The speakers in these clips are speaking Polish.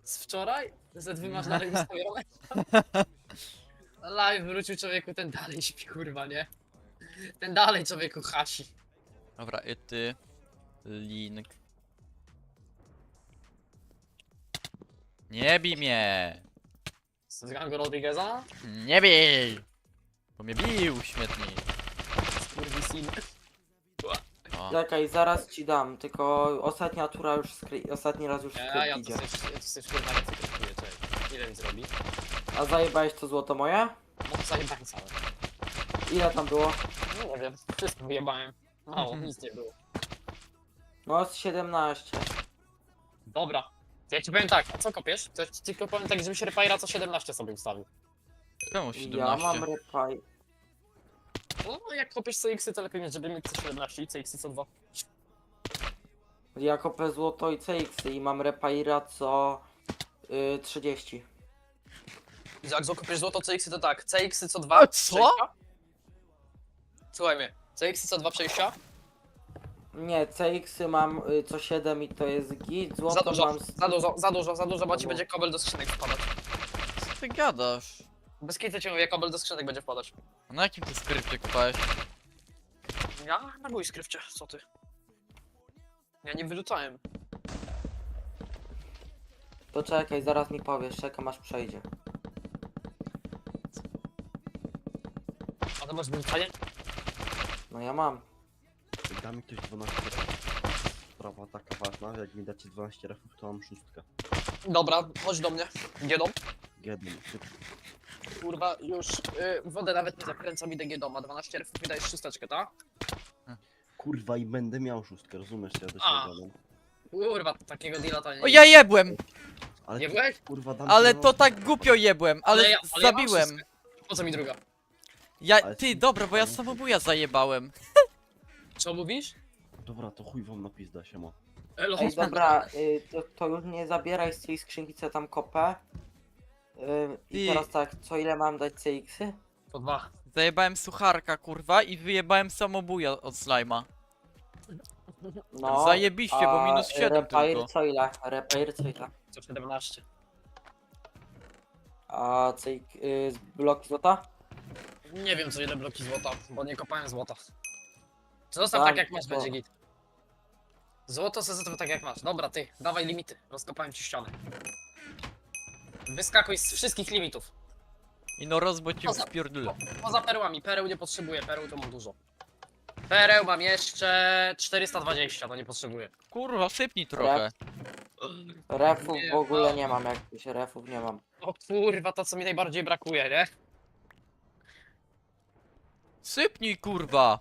Z wczoraj? Z2 masz dalej ustawione? Live wrócił człowieku, ten dalej śpi, kurwa, nie? Ten dalej człowieku hasi. Dobra, i ty. Link. Nie bij mnie! Z gangu Rodrigueza? Nie bij! Bo mnie bił śmietnik. Skurwisin. O. Czekaj, zaraz ci dam, tylko ostatnia tura już ostatni raz już Ja skrypt to idzie. sobie kurwa nie cytruję, cześć. Ile mi zrobi? A zajebałeś to złoto moje? No zajebałem całe. Ile tam było? No nie wiem, wszystko wyjebałem. Mało, nic nie było. No z 17. Dobra. To ja ci powiem tak, a co kopiesz? To ja ci tylko powiem tak, żebyś Repaira co 17 sobie ustawił. Czemu Ja 17? mam repaj. No jak kopiesz CX-y, to lepiej mieć, żeby mieć co 17 i CX-y co 2. Ja kopię złoto i CX i mam repaira co 30. Jak zakopiesz złoto CX-y to tak, CX-y co 2 A co? przejścia. Słuchaj mnie, CX-y co 2 przejścia. Nie, CX mam co 7 i to jest git, złoto Za dużo, mam... za dużo, bo ci No. będzie kobel do skrzynek wpadać. Co ty gadasz? Bez kitu cię mówię, kobel do skrzynek będzie wpadać. A na jakim ty skrypcie kupałeś? Ja na mój skrywcie, co ty? Ja nie wyrzucałem. To czekaj, zaraz mi powiesz, czekam aż przejdzie. A to masz wyrzucanie? No ja mam. Da mi ktoś 12 refów. Sprawa taka ważna, jak mi dacie 12 refów, to mam szóstkę. Dobra, chodź do mnie. Giedą. Gedem, szybko. Kurwa, już wodę nawet nie zakręcam, idę Giedoma. 12 refów mi dajesz szósteczkę, tak? Kurwa i będę miał szóstkę, rozumiesz, co ja do A. siebie gadam. Kurwa, takiego deala to nie. O, ja jebłem! Ale Nie ty, byłeś? kurwa dam Ale ci to tak głupio jebłem, ale Ale ja mam zabiłem. szóstkę. Po co mi druga? Ja, ty, dobra, bo ja samobuja zajebałem. Co mówisz? Dobra, to chuj wam na pizda, siema. Elo, Ej, dobra, to już nie zabieraj z tej skrzynki, co tam kopę. I Ty. teraz tak, co ile mam dać CX-y? Po 2. Zajebałem sucharka, kurwa, i wyjebałem samobuja od slajma. No, Zajebiście, bo minus 7 repair tylko. co ile? Repair co ile? Co 17. A bloki złota? Nie wiem co ile bloki złota, bo nie kopałem złota. Zostaw Tak, tak jak masz, to- będzie git. Złoto se zostaw tak jak masz. Dobra, ty, dawaj limity. Rozkopałem ci ścianę. Wyskakuj z wszystkich limitów. I no rozbo cię Poza- wpierdolę. Poza perłami, pereł nie potrzebuję, pereł to mam dużo. Pereł mam jeszcze 420, to nie potrzebuję. Kurwa, sypnij trochę. Refów Nie, w ogóle no. nie mam, jakichś refów nie mam. O kurwa, to co mi najbardziej brakuje, nie? Sypnij, kurwa.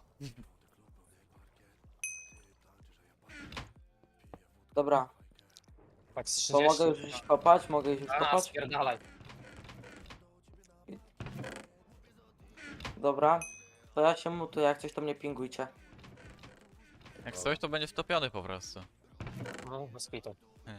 Dobra, Tak z to 30. mogę już iść kopać? Mogę już A, kopać? spierdalaj. Dobra. To ja się mutuję, jak coś to mnie pingujcie. Jak coś, to będzie wtopiony po prostu. No, bez pitu.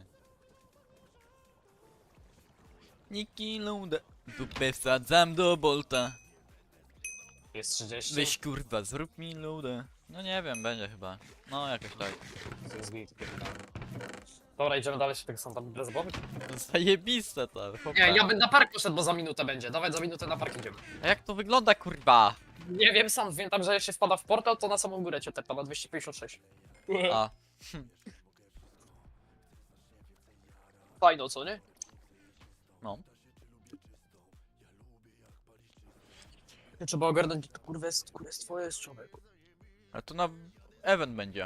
Niki Luda. Dupę wsadzam do bolta. Jest 30. Weź kurwa, zrób mi ludę. No nie wiem, będzie chyba. No jakoś tak. To jest git, pierdolę. Dobra, idziemy dalej, się tego są tam bez głowy. Zajebiste to, chłopie. Nie, ja bym na park poszedł, bo za minutę będzie. Dawaj, za minutę na park idziemy. A jak to wygląda, kurwa? Nie wiem, sam wiem tam, że jak się wpada w portal, to na samą górę cię tepa, na 256. A, Fajno, co nie? no. Trzeba ogarnąć, to kurwa jest twoje jest człowieku. Ale to na event będzie.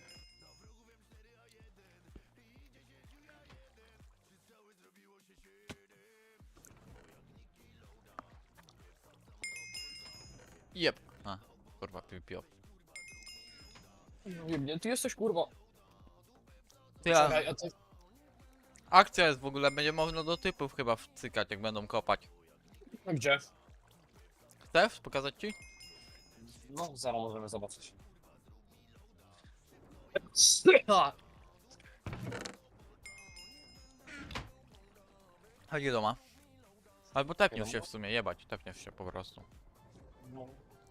Jep. A, kurwa, piop. Nie wiem, ty jesteś kurwa. Ty, Czekaj, a ty... akcja jest w ogóle, będzie można do typów chyba wcykać, jak będą kopać. No gdzie? Chcesz pokazać ci? No, zaraz możemy zobaczyć. Chodź do doma. Albo tepniesz się w sumie, jebać, tepniesz się po prostu. No.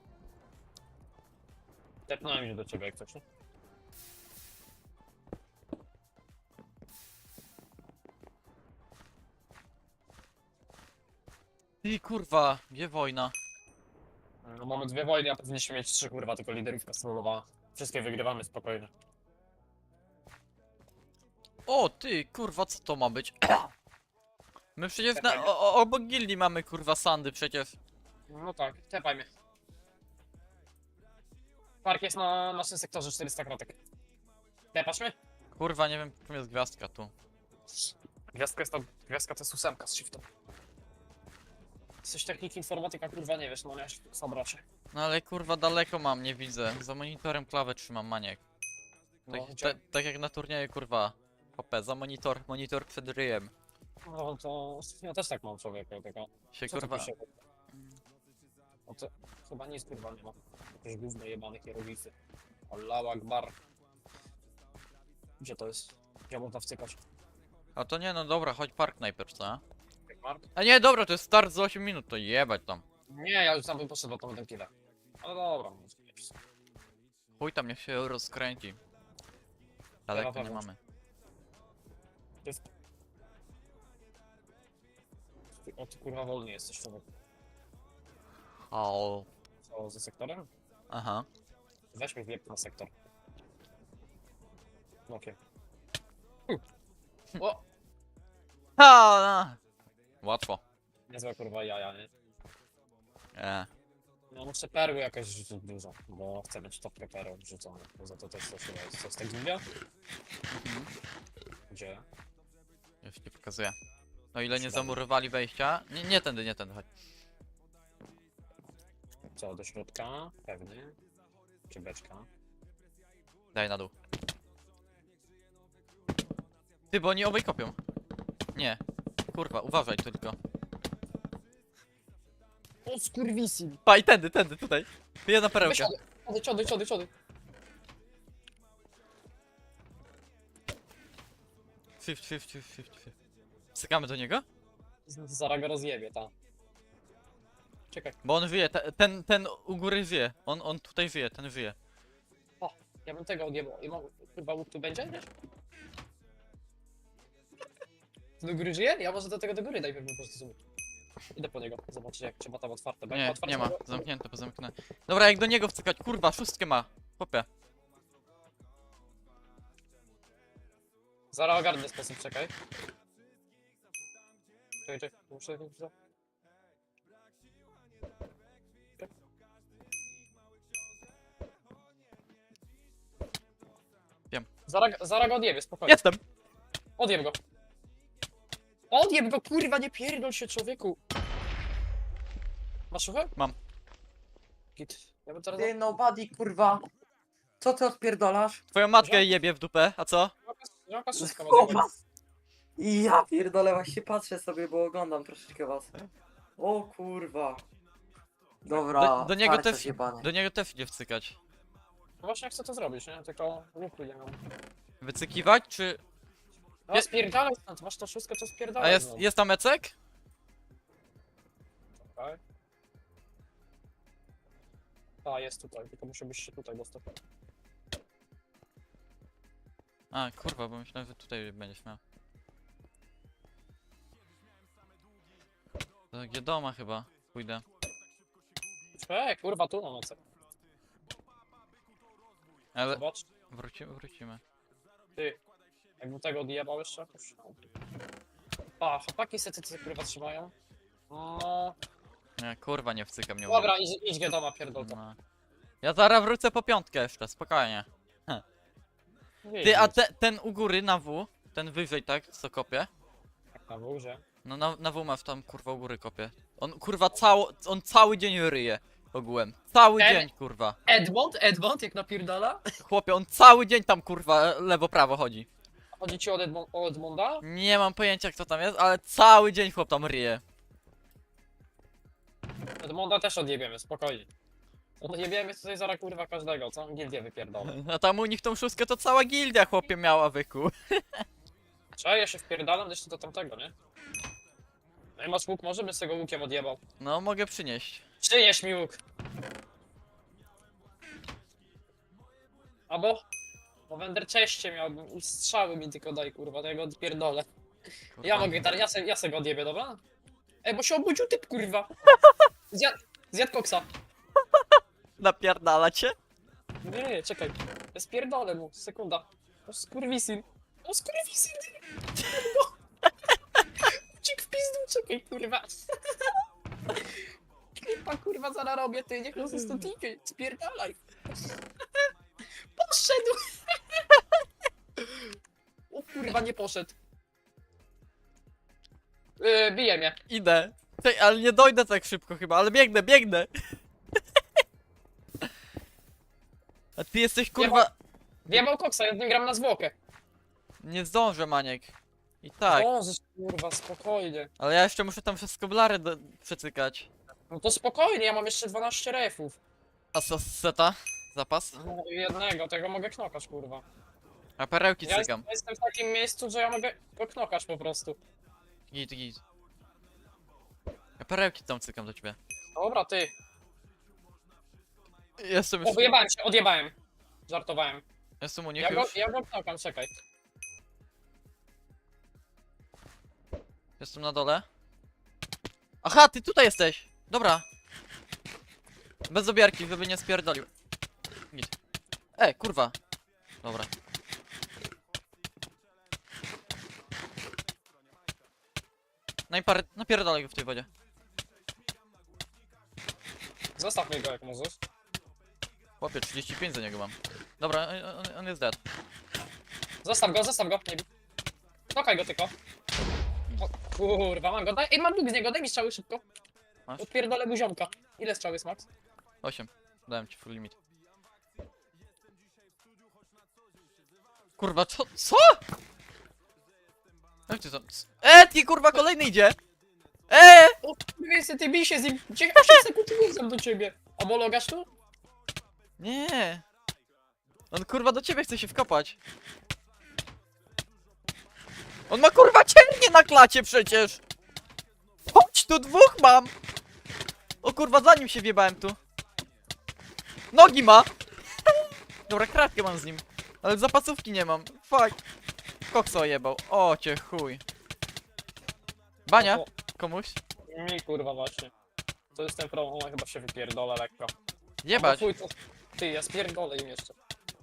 Tepnąłem się do ciebie jak coś, nie? Ty kurwa, gdzie wojna? No mamy 2 wojny, a powinniśmy mieć 3 kurwa, tylko liderówka strolowała. Wszystkie wygrywamy spokojnie. O ty kurwa, co to ma być? My przecież obok gildii mamy kurwa sandy przecież. No tak, tepaj mnie. Park jest na naszym sektorze 400 kratek. Tepasz mnie? Kurwa, nie wiem, czym jest gwiazdka tu. Gwiazdka to jest 8 z shiftem. Coś techniki informatyka kurwa nie wiesz, no nie, sabracie. No ale kurwa daleko mam, nie widzę. Za monitorem klawę trzymam, maniek. Tak, No, gdzie? tak jak na turnieju kurwa. Hopę, za monitor przed ryjem. No to ja też tak mam człowieku, tylko Się co tu kurwa... pisze? No to chyba nic kurwa nie ma. Jakieś gówno jebane hieroglify. Allahu Akbar. Gdzie to jest? Gdzie można wcykać? A to nie, no dobra, chodź park najpierw, co? Jak Mark? A nie, dobra, to jest start za 8 minut, to jebać tam. Nie, ja już tam bym poszedł, bo to będę killa. Ale dobra, no, Chuj tam, niech się rozkręci. Daleko nie pewno. mamy. O ty kurwa wolny jesteś człowiek. O, Co, ze sektorem? aha. Weź mi wjeb na sektor. Okej. O! Ha! Łatwo. Niezłe kurwa jaja, nie? No muszę perły jakoś rzucić dużo, bo chcę mieć topkę perł wrzucone. Poza to też coś jest. Co z tego gildia? Gdzie? Już ci pokazuję. O ile nie zamurowali wejścia. Nie tędy, nie tędy, chodź. Co, do środka? Pewnie. Czy beczka? Daj na dół. Ty, bo oni obaj kopią. Nie. Kurwa, uważaj tylko. O skurwisin! Pa, i tędy, tutaj. Jedna perełka. Ciody. Shift. Stykamy do niego? Zaraz go rozjebie, ta. Czekaj, Bo on żyje, ten u góry żyje. On tutaj żyje, ten żyje. ja bym tego odjebał. I mam, chyba łuk tu będzie? Nie? Do góry żyje? Ja może do tego do góry najpierw bym po prostu zobaczył. Idę po niego, zobaczyć jak trzeba tam otwarte. Bo jak Nie, otwarte nie ma, to- zamknięte, pozamknęte. Dobra, jak do niego wcykać, kurwa, szóstkę ma. Popie. Zaraz ogarnę sposób, czekaj. Czekaj, muszę... Wiem. Zaraz go odjebie, spokojnie. Jestem! Odjeb go. Odjeb go, kurwa, nie pierdol się, człowieku. Masz suchę? Mam. Git. Ja bym teraz... Ty nobody, kurwa. Co ty odpierdolasz? Twoją matkę jebie w dupę, a co? Jaka szóstka ma Kurwa. odjebać? Ja pierdolę, właśnie patrzę sobie, bo oglądam troszeczkę was. O kurwa. Dobra, Do niego farciarz też, jebany. do niego też idzie wcykać. No właśnie chcę to zrobić, nie? Tylko łuku nie mam. Wycykiwać, czy... No spierdalaj stąd, masz to szóstkę, to A spierdalaj. jest tam Ecek? Tak. A, jest tutaj, tylko muszę być się tutaj dostać. A, kurwa, bo myślałem, że tutaj będziesz miał. Do Giedoma chyba pójdę. Kurwa, tu mam nocę. Ale Zobacz. wrócimy. Ty, jakbym tego odjebał jeszcze jakoś. A, chłopaki se kurwa trzymają. No, Nie, kurwa, nie wcykam, nie dobra, idź do doma, pierdol to. No. Ja zaraz wrócę po piątkę jeszcze, spokojnie. Nie Ty, a idź. ten u góry na W, ten wyżej, tak, co kopie? Tak na górze. No na W masz tam, kurwa, u góry kopie. On, kurwa, on cały dzień ryje ogółem. Cały dzień, kurwa. Edmond, jak napierdala? Chłopie, on cały dzień tam, kurwa, lewo-prawo chodzi. Chodzi ci o Edmonda? Nie mam pojęcia, kto tam jest, ale cały dzień chłop tam ryje. Edmonda też odjebiemy, spokojnie. Odjebiemy tutaj zaraz kurwa każdego, co? Gildię wypierdolę. A tam u nich tą szóstkę to cała gildia, chłopie, miała wyku. Trzeba, ja się wpierdalam jeszcze do tamtego, nie? No i masz łuk, może bym z tego łukiem odjebał. No, mogę przynieść. Przynieś mi łuk. Albo... Bo wender czeście miałbym i strzały mi tylko daj kurwa, to ja go odpierdolę. Ja Kurwa. mogę, ja se go odjebię, dobra? Ej, bo się obudził typ, kurwa. Zjadł koksa. Napierdala cię? Nie, czekaj. Ja spierdolę mu, sekunda. O skurwisin. O skurwisin! Uciekł w pizdu, czekaj, kurwa. Klipa, kurwa, zaraz robię, ty, niech nas stąd idzie. Spierdalaj. Poszedł! O kurwa, nie poszedł. Bije mnie. Idę. Tej, ale nie dojdę tak szybko chyba, ale biegnę, biegnę. A ty jesteś kurwa... Wjebał koksa, ja z nim gram na zwłokę. Nie zdążę, Maniek. I tak, Możesz, kurwa, spokojnie. ale ja jeszcze muszę tam wszystko blary przecykać. No to spokojnie, ja mam jeszcze 12 refów. A co seta? Zapas? No jednego, tego mogę knokać, kurwa. A perełki Ja cykam. jestem w takim miejscu, że ja mogę go knokać po prostu. Git, git. Ja perełki tam cykam do ciebie. Dobra, ty. Jestem O, już... wyjebałem się, odjebałem. Żartowałem. Jestem u nich Ja go, już. ja go knokam, czekaj. Jestem na dole. Aha, ty tutaj jesteś! Dobra. Bez obiarki, żeby nie spierdolił. Git. Kurwa. Dobra. No i napierdolę go w tej wodzie. Zostaw mnie go jak możesz. Chłopie, 35 za niego mam. Dobra, on jest dead. Zostaw go, nie bij. Knokaj go tylko. O, kurwa, mam go, daj, ej, mam dług z niego, daj mi strzały szybko. Masz? Odpierdolę mu ziomka. Ile strzał jest, Max? 8. Dałem ci full limit. Kurwa, co? Jak ty tam? Ty kurwa, kolejny idzie! O, kurwa, ty bij się z nim, 8 sekund i wrócę do ciebie. Omologasz tu? Nie! On kurwa do ciebie chce się wkopać. On ma kurwa cięgnie na klacie przecież! Chodź tu, dwóch mam! O kurwa, za nim się wjebałem tu. Nogi ma! Dobra, kratkę mam z nim. Ale zapasówki nie mam. Fuck. Koksa ojebał. O cię chuj. Bania? O, Komuś? mi kurwa właśnie. To jest ten problem, ona chyba się wypierdolę lekko. Jebać. Albo chuj, to... Ty, ja spierdolę im jeszcze.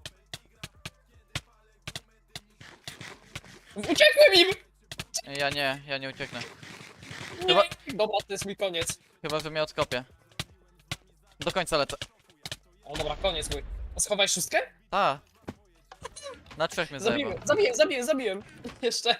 Uciekłem im! Ja nie ucieknę. Nie. Chyba- Dobra, to jest mój koniec. Chyba, że mnie odkopię. Do końca lecę. O dobra, koniec mój. A schowaj szóstkę? A. Na 3 mnie zajebał. Zabiłem. Jeszcze.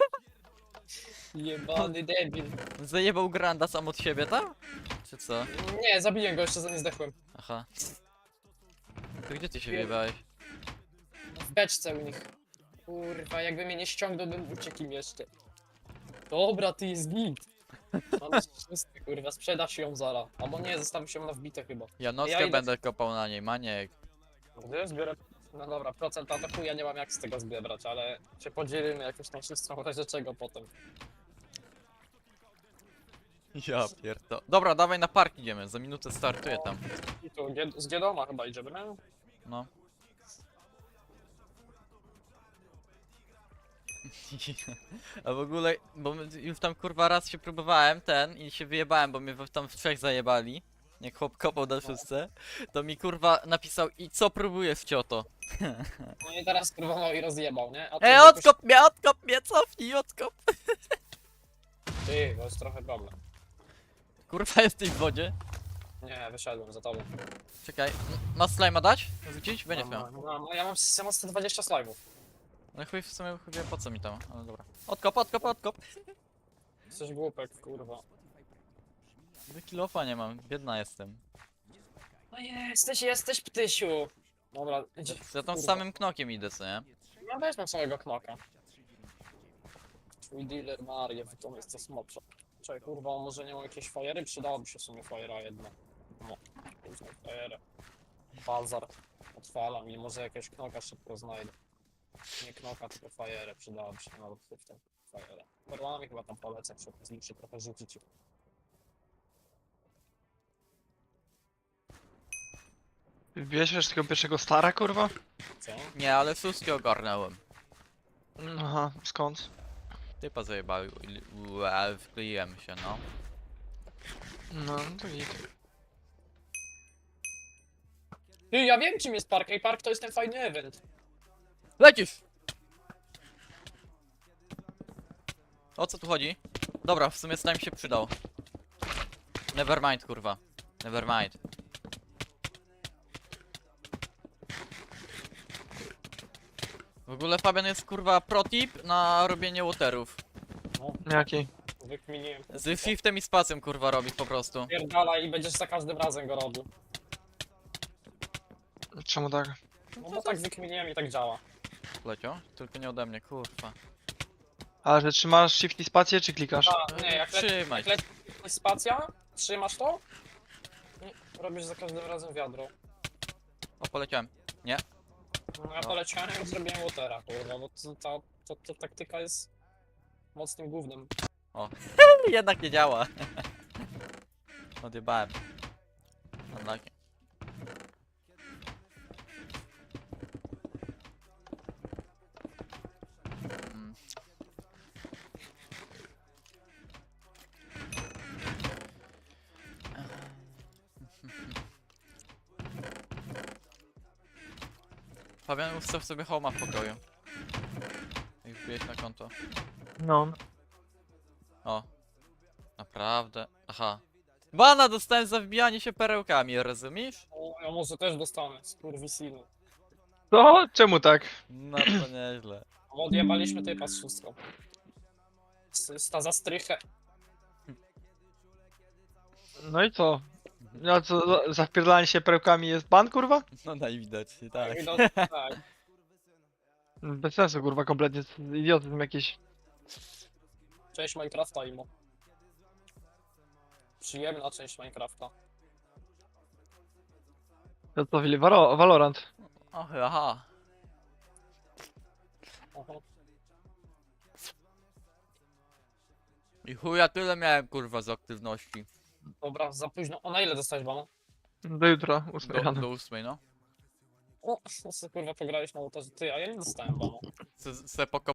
Jebany debil. Zajebał Granda sam od siebie, tam? Czy co? Nie, zabiłem go, jeszcze za nie zdechłem. Aha. To gdzie ty się wjebałeś? W beczce u nich. Kurwa, jakby mnie nie ściągnął, bym uciekł im jeszcze. Dobra, ty jest git. Mamy szóstkę, kurwa, sprzedasz ją zara. Albo nie, zostawisz ją na wbite chyba. Ja nockę Ja idę- będę kopał na niej, Maniek. Gdy zbiorę... No dobra, procent ataku ja nie mam jak z tego zbierać, ale się podzielimy jakąś tam szóstką, w razie czego potem. Ja pierdo. Dobra, dawaj na park idziemy, za minutę startuję tam. I tu z Giedoma chyba idziemy, no? No. A w ogóle, bo już tam kurwa raz się próbowałem i się wyjebałem, bo mnie tam w 3 zajebali. Jak chłop kopał na szóstce, to mi kurwa napisał: i co próbujesz, cioto? No i teraz próbował i rozjebał, nie? A tu Odkop mnie, cofnij, odkop! Ty, to jest trochę problem. Kurwa, jesteś w wodzie? Nie, wyszedłem za tobą. Czekaj, masz slime'a dać? Rzucić? Będziesz miał. Ja mam 120 slime'ów. No chuj, w sumie chuj, po co mi tam, ale dobra. Odkop! Jesteś głupek, kurwa. Kilofa nie mam, biedna jestem. No jesteś ptysiu. Dobra, idzie. Ja tam z kurwa. samym knokiem idę, co nie? Ja weźmę samego knoka. Twój dealer Marię, to jest to smopsza. Czekaj, kurwa, może nie mam jakiejś fajery? Przydałoby się w sumie fajera jedna. No, później fajerę. Bazar. Otwalam i może jakiegoś knoka szybko znajdę. Nie knoka, tylko fajerę. Przydałoby się nawet w tym fajerę. Perłami chyba tam polecę, przy okazji się trochę rzucić. Bierzesz tego pierwszego stara, kurwa? Co? Nie, ale suski ogarnąłem. Aha, skąd? Typa zajebały, wkleiłem się, no. No, to git. Ty, ja wiem czym jest park. Ej, park to jest ten fajny event. Lecisz! O co tu chodzi? Dobra, w sumie slime się przydał. Nevermind, kurwa. Nevermind. W ogóle Fabian jest kurwa protip na robienie waterów. Jaki? Wykminiłem. Z shiftem i spacją kurwa robi po prostu. Pierdala i będziesz za każdym razem go robił. Czemu tak? No bo tak wykminiłem i tak działa. Lecio? Tylko nie ode mnie, kurwa. Ale że trzymasz shift i spację, czy klikasz? A, nie, jak Trzymaj. leci spacja, trzymasz to i robisz za każdym razem wiadro. O, poleciałem. No ja poleciałem i zrobiłem watera, kurwa, bo ta taktyka jest mocnym gównem. Jednak nie działa. Odjebałem. Unlucky. Mm. Fabian, ustaw sobie homa w pokoju. I wbijesz na konto. No. O. Naprawdę. Aha. Bana dostałem za wbijanie się perełkami, rozumiesz? O, ja może też dostanę, skurwysynu. To? Czemu tak? No to nieźle. Bo odjebaliśmy typa z szóstką. Sta za strychę. No i co? No co, za wpierdalanie się perełkami jest ban, kurwa? No najwidoczniej, tak. No, tak. Bez sensu, kurwa, kompletnie. Idiotyzm jakiś. Część Minecrafta imo. Przyjemna część Minecrafta. To co, Filip? Valorant. Och, aha. Oho. I chuja tyle miałem kurwa z aktywności. Dobra, za późno. O, na ile dostałeś bana? Do jutra, 8 Do, rano. do 8, no. O, kurwa, pograłeś na ołtarzu. Ty, a ja nie dostałem bana. Se